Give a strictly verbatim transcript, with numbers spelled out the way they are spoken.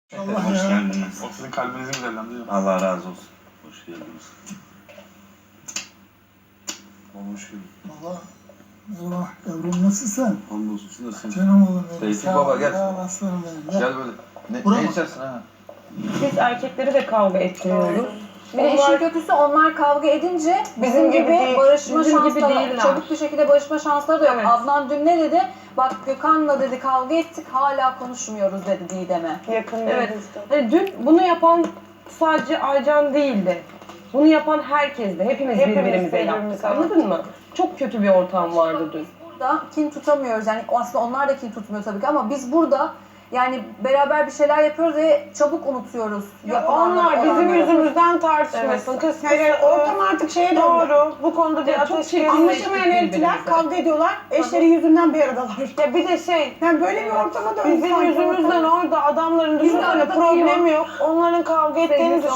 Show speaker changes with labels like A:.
A: Allah
B: Hoş
A: ya.
B: geldiniz.
C: O sizin kalbinizi güzellendi.
B: Allah razı olsun. Hoş geldiniz. Hoş geldin.
A: Baba, merhaba yavrum, nasılsın?
B: Hamdolsun. Siz nasılsınız?
A: Canım oğlum benim.
B: Tevfik
A: Sağ
B: baba,
A: ol,
B: gel.
A: sağ ol, aslanım benim. Gel.
B: Gel böyle. Ne,
A: Buraya
B: ne
A: mı?
B: içersin ha?
D: Biz erkekleri de kavga ettiriyoruz.
E: Bir de işin kötüsü onlar kavga edince bizim gibi
D: değil,
E: barışma
D: bizim gibi
E: şansları,
D: değiller.
E: çabuk bir şekilde barışma şansları da yok.
D: Evet.
E: Adnan dün ne dedi? Bak Gökhan'la dedi kavga ettik hala konuşmuyoruz dedi Didem'e.
D: Yakın
F: Evet.
D: Hani dün bunu yapan sadece Aycan değildi. Bunu yapan herkesti. Hepimiz,
F: Hepimiz
D: birbirimize yaptık.
F: birbirimize
D: Anladın mı? Çok kötü bir ortam vardı dün.
E: Burada kin tutamıyoruz yani aslında onlar da kin tutmuyor tabii ki ama biz burada yani beraber bir şeyler yapıyoruz ve çabuk unutuyoruz. yapılanları,
F: Onlar bizim
E: olanları.
F: yüzümüzden tartışmasın. Kız
G: Yani ortam artık şeye doğru.
F: doğru. Bu konuda bir
D: Ya çok
F: ateş
D: çirkin.
G: Anlaşamayan eltiler
D: Birbirimize.
G: kavga ediyorlar. Eşleri yüzünden bir aradalar.
F: Ya bir de şey,
G: Yani böyle bir ortama döndü.
F: bizim
G: sanki
F: yüzümüzden
G: ortam.
F: orada adamların
E: Biz de
F: düşünsene
E: arada
F: problemi yok. Onların kavga ettiğini
D: Sevgisi